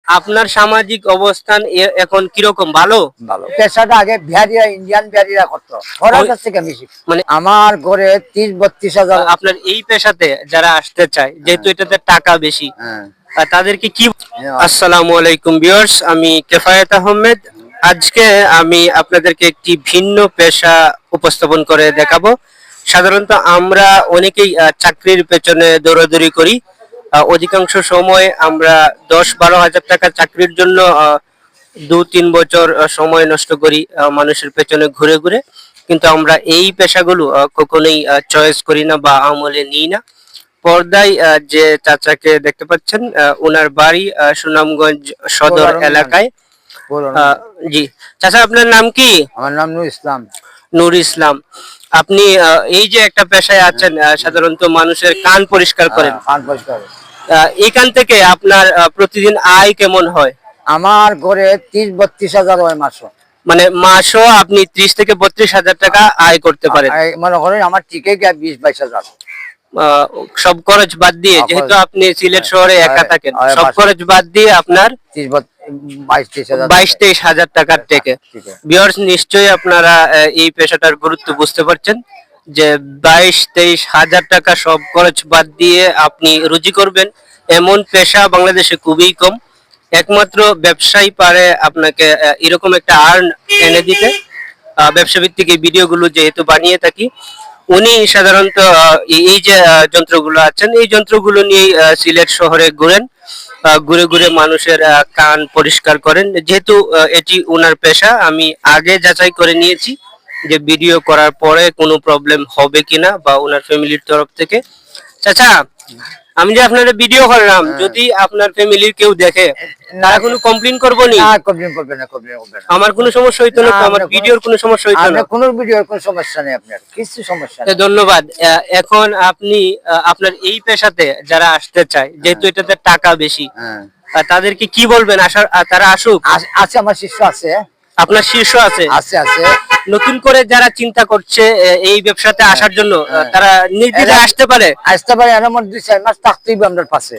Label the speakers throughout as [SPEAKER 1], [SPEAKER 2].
[SPEAKER 1] আপনার সামাজিক অবস্থান এখন কিরকম? ভালো?
[SPEAKER 2] ভালো। পেশাটা আগে বিহারিরা, ইন্ডিয়ান বিহারিরা করতো, ওরা কাছ থেকে বেশি।
[SPEAKER 1] মানে
[SPEAKER 2] আমার ঘরে 30-32 হাজার।
[SPEAKER 1] আপনার এই পেশাতে যারা আসতে চায়, যেহেতু এটাতে টাকা বেশি, তাদেরকে কি? আসসালামু আলাইকুম ভিউয়ার্স, আমি কেফায়েত আহমেদ। আজকে আমি আপনাদেরকে একটি ভিন্ন পেশা উপস্থাপন করে দেখাবো। সাধারণত আমরা অনেকেই চাকরির পেছনে দৌড়াদৌড়ি করি। অধিকাংশ সময় আমরা 10-12 হাজার টাকা চাকরির জন্য 2-3 বছর সময় নষ্ট করি মানুষের পেছনে ঘুরে ঘুরে। কিন্তু আমরা এই পেশাগুলো কখনোই চয়েস করি না বা আমলে নিই না। পর্দায় যে চাচাকে দেখতে পাচ্ছেন, ওনার বাড়ি সুনামগঞ্জ সদর এলাকায়। জি চাচা, আপনার নাম কি?
[SPEAKER 2] আমার নাম নূর ইসলাম।
[SPEAKER 1] নূর ইসলাম। আপনি এই যে একটা পেশায় আছেন, সাধারণত মানুষের কান পরিষ্কার করেন।
[SPEAKER 2] কান পরিষ্কার।
[SPEAKER 1] এখান থেকে আপনার প্রতিদিন আয় কেমন হয়?
[SPEAKER 2] আমার ঘরে 30-32 হাজার হয় মাসও।
[SPEAKER 1] মানে মাসও আপনি 30 থেকে 32 হাজার টাকা আয় করতে পারেন?
[SPEAKER 2] মনে করেন আমার টিকে গিয়ে 20-22 হাজার।
[SPEAKER 1] সব খরচ বাদ দিয়ে, যেহেতু আপনি সিলেট শহরে একা থাকেন, সব খরচ বাদ দিয়ে আপনার 22-23 হাজার টাকার থেকে। ভিউয়ার্স, নিশ্চয়ই আপনারা এই পেশাটার গুরুত্ব বুঝতে পারছেন যে 22-23 হাজার টাকা সব খরচ বাদ দিয়ে আপনি রুজি করবেন, এমন পেশা বাংলাদেশে খুবই কম। একমাত্র ব্যবসায়ী পারে আপনাকে এরকম একটা আর্ন এনে দিতে। ব্যবসা ভিত্তিক এই ভিডিওগুলো যেহেতু বানিয়ে থাকি, উনি সাধারণত এই যে যন্ত্রগুলো আছেন, এই যন্ত্রগুলো নিয়ে সিলেট শহরে ঘুরেন, ঘুরে ঘুরে মানুষের কান পরিষ্কার করেন। যেহেতু এটি ওনার পেশা, আমি আগে যাচাই করে নিয়েছি যে ভিডিও করার পরে কোনো প্রবলেম হবে কিনা বা ওনার ফ্যামিলির তরফ থেকে। চাচা, আমি যে আপনার ভিডিও করলাম, যদি আপনার ফ্যামিলির কেউ দেখে, তারা কোনো কমপ্লেইন করবে না?
[SPEAKER 2] কমপ্লেইন করবে না, কমপ্লেইন করবে না।
[SPEAKER 1] আমার কোনো সমস্যা হইতো না? আমার ভিডিওর কোনো সমস্যা হইতো না?
[SPEAKER 2] কোনো ভিডিওর কোনো সমস্যা নেই, আপনার কিছু সমস্যা নেই।
[SPEAKER 1] ধন্যবাদ। এখন আপনি আপনার এই পেশাতে যারা আসতে চায়, যেহেতু এটাতে টাকা বেশি, তাদেরকে কি বলবেন? তারা আসুক?
[SPEAKER 2] আছে, আমার শিষ্য আছে।
[SPEAKER 1] আপনার শীর্ষ আছে?
[SPEAKER 2] আছে আছে।
[SPEAKER 1] নতুন করে যারা চিন্তা করছে এই ব্যবসাতে আসার জন্য, তারা নির্দ্বিধায় আসতে পারে?
[SPEAKER 2] আসতে পারে। এর মধ্যে 2-4 মাস থাকতেই আমাদের পাশে।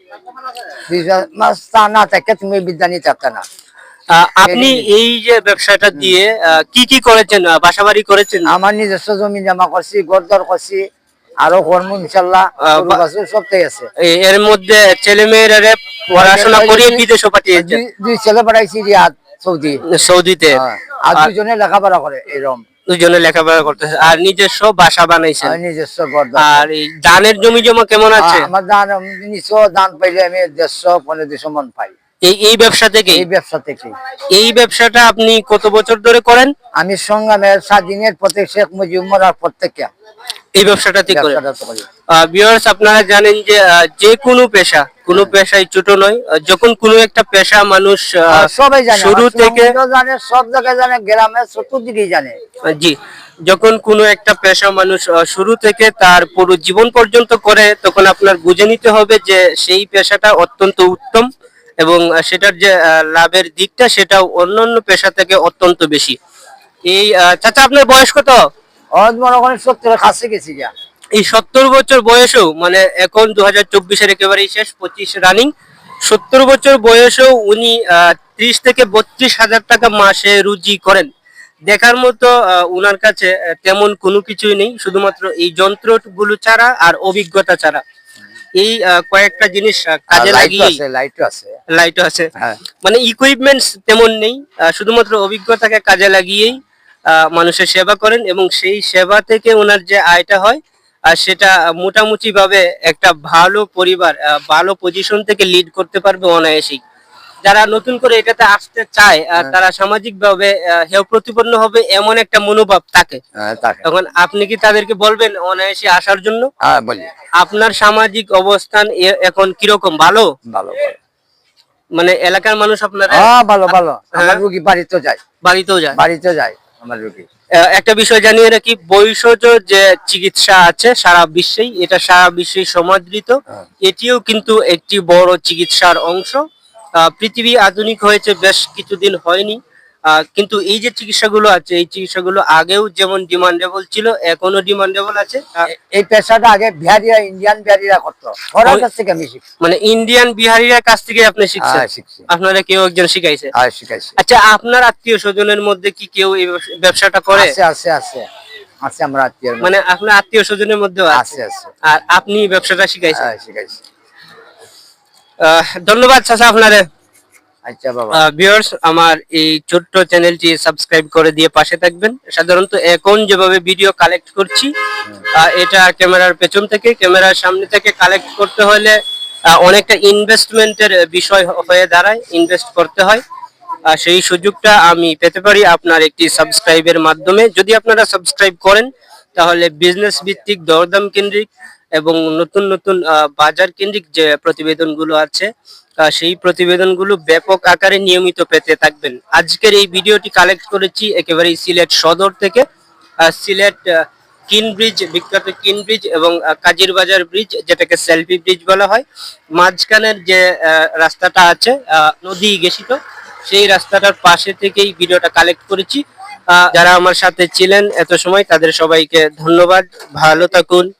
[SPEAKER 2] 2 মাস তা না থাকে তুমি বিদ্যা নিতে চাচ্ছ না।
[SPEAKER 1] আপনি এই যে ব্যবসাটা দিয়ে কি কি করেছেন? বাসাবাড়ি করেছেন?
[SPEAKER 2] আমার নিজস্ব জমি জমা করছি, ঘরদর করছি, আরো কর্ম ইনশাআল্লাহ সবটাই আছে।
[SPEAKER 1] এর মধ্যে ছেলে মেয়েরা পড়াশোনা করিয়ে বিদেশে পাঠিয়েছেন?
[SPEAKER 2] 2 ছেলে পাঠাইছি রিয়াদ,
[SPEAKER 1] সৌদিতে।
[SPEAKER 2] আর 2জনে লেখাপড়া করে এরকম।
[SPEAKER 1] 2জনে লেখাপড়া করতেছে। আর নিজস্ব বাসা বানাইছেন?
[SPEAKER 2] নিজস্ব ঘর।
[SPEAKER 1] আর এই ধানের জমি জমা কেমন আছে?
[SPEAKER 2] আমার ধান ধান পাইলে আমি 150-200 মন পাই
[SPEAKER 1] এই ব্যবসা থেকে?
[SPEAKER 2] এই ব্যবসা থেকে।
[SPEAKER 1] এই ব্যবসাটা আপনি কত বছর ধরে করেন?
[SPEAKER 2] আমি সংগ্রামের স্বাধীনের প্রত্যেক শেখ মুজিব মরার প্রত্যেকে
[SPEAKER 1] এই ব্যবসাটাতে করেন। ভিউয়ার্স, আপনারা জানেন যে যে কোনো পেশা, কোনো পেশাই ছোট নয়। যখন কোনো একটা পেশা মানুষ
[SPEAKER 2] সবাই জানে,
[SPEAKER 1] শুরু থেকে
[SPEAKER 2] জানে, সব জায়গায় জানে, গ্রামে চতুর্দিকেই জানে।
[SPEAKER 1] জি, যখন কোনো একটা পেশা মানুষ শুরু থেকে তার পুরো জীবন পর্যন্ত করে, তখন আপনার বুঝে নিতে হবে যে সেই পেশাটা অত্যন্ত উত্তম এবং সেটার যে লাভের দিকটা, সেটাও অন্যান্য পেশা থেকে অত্যন্ত বেশি। এই চাচা, আপনার বয়স কত?
[SPEAKER 2] মনে করেন 70 কাছে গেছি।
[SPEAKER 1] এই 70 বছর বয়সেও, মানে এখন 2024-এর একেবারেই শেষ, 25 রানিং, 70 বছর বয়সেও উনি 30 থেকে 32 হাজার টাকা মাসে রুজি করেন। দেখার মতো উনার কাছে তেমন কোনো কিছুই নেই, শুধুমাত্র এই যন্ত্রগুলো ছাড়া আর অভিজ্ঞতা ছাড়া। এই কয়েকটা জিনিস কাজে লাগিয়ে, লাইটও আছে, মানে ইকুইপমেন্টস তেমন নেই, শুধুমাত্র অভিজ্ঞতাকে কাজে লাগিয়েই মানুষের সেবা করেন এবং সেই সেবা থেকে ওনার যে আয়টা হয়, আর সেটা মোটামুটি ভাবে একটা ভালো পরিবার, ভালো পজিশন থেকে লিড করতে পারবে অনায়াসেই। যারা নতুন করে এটাতে আসতে চায়, তারা সামাজিক ভাবে হেয় প্রতিপন্ন হবে এমন একটা মনোভাব থাকে। তখন আপনি কি তাদেরকে বলবেন অনায়াসে আসার জন্য? আপনার সামাজিক অবস্থান এখন কিরকম? ভালো?
[SPEAKER 2] ভালো।
[SPEAKER 1] মানে এলাকার মানুষ আপনারা?
[SPEAKER 2] ভালো ভালো। আমার রোগী বাড়িতেও যায়। বাড়িতেও যায় আমার রোগী।
[SPEAKER 1] একটা বিষয় জানিয়ে রাখি, বৈষজ যে চিকিৎসা আছে সারা বিশ্বেই, এটা সারা বিশ্বেই সমাদৃত। এটিও কিন্তু একটি বড় চিকিৎসার অংশ। পৃথিবী আধুনিক হয়েছে বেশ কিছুদিন হয়নি। কিন্তু এই যে চিকিৎসাগুলো আছে, এই চিকিৎসাগুলো আগেও যেমন ডিমান্ডেবল ছিল, এখনো ডিমান্ডেবল আছে।
[SPEAKER 2] এই পেশাটা আগে বিহারিরা, ইন্ডিয়ান বিহারিরা করতো, ওরা কাছ থেকে আমি শিখছি।
[SPEAKER 1] মানে ইন্ডিয়ান বিহারিরা কাছ থেকে আপনি শিখছেন?
[SPEAKER 2] শিখছি।
[SPEAKER 1] আপনারা কেউ একজন শিখাইছে?
[SPEAKER 2] শিখাইছি।
[SPEAKER 1] আচ্ছা, আপনার আত্মীয় স্বজনের মধ্যে কি কেউ এই ব্যবসাটা করে?
[SPEAKER 2] আছে আছে আছে আছে, আমরা আত্মীয়
[SPEAKER 1] মানে আপনার আত্মীয় স্বজনের মধ্যেও
[SPEAKER 2] আছে আছে।
[SPEAKER 1] আর আপনি ব্যবসাটা শিখাইছেন?
[SPEAKER 2] শিখাইছি।
[SPEAKER 1] ধন্যবাদ চাচা আপনারে।
[SPEAKER 2] আচ্ছা বাবা।
[SPEAKER 1] ভিউয়ার্স, আমার এই ছোট্ট চ্যানেলটি সাবস্ক্রাইব করে দিয়ে পাশে থাকবেন। সাধারণত এখন যেভাবে ভিডিও কালেক্ট করছি, এটা ক্যামেরার পেছন থেকে, ক্যামেরার সামনে থেকে কালেক্ট করতে হলে অনেকটা ইনভেস্টমেন্টের বিষয় হয়ে দাঁড়ায়, ইনভেস্ট করতে হয়। সেই সুযোগটা আমি পেতে পারি আপনার একটি সাবস্ক্রাইবের মাধ্যমে। যদি আপনারা সাবস্ক্রাইব করেন তাহলে বিজনেস ভিত্তিক, দরদাম কেন্দ্রিক এবং নতুন নতুন বাজার কেন্দ্রিক যে প্রতিবেদনগুলো আছে, সেই প্রতিবেদনগুলো ব্যাপক আকারে নিয়মিত পেতে থাকবেন। আজকের এই ভিডিওটি কালেক্ট করেছি একেবারে সিলেট সদর থেকে। সিলেট কিন ব্রিজ, বিখ্যাত কিন ব্রিজ এবং কাজির বাজার ব্রিজ, যেটাকে সেলফি ব্রিজ বলা হয়, মাঝখানের যে রাস্তাটা আছে নদী ঘেঁষিত, সেই রাস্তাটার পাশে থেকেই ভিডিওটা কালেক্ট করেছি। যারা আমার সাথে ছিলেন এত সময়, তাদের সবাইকে ধন্যবাদ। ভালো থাকুন।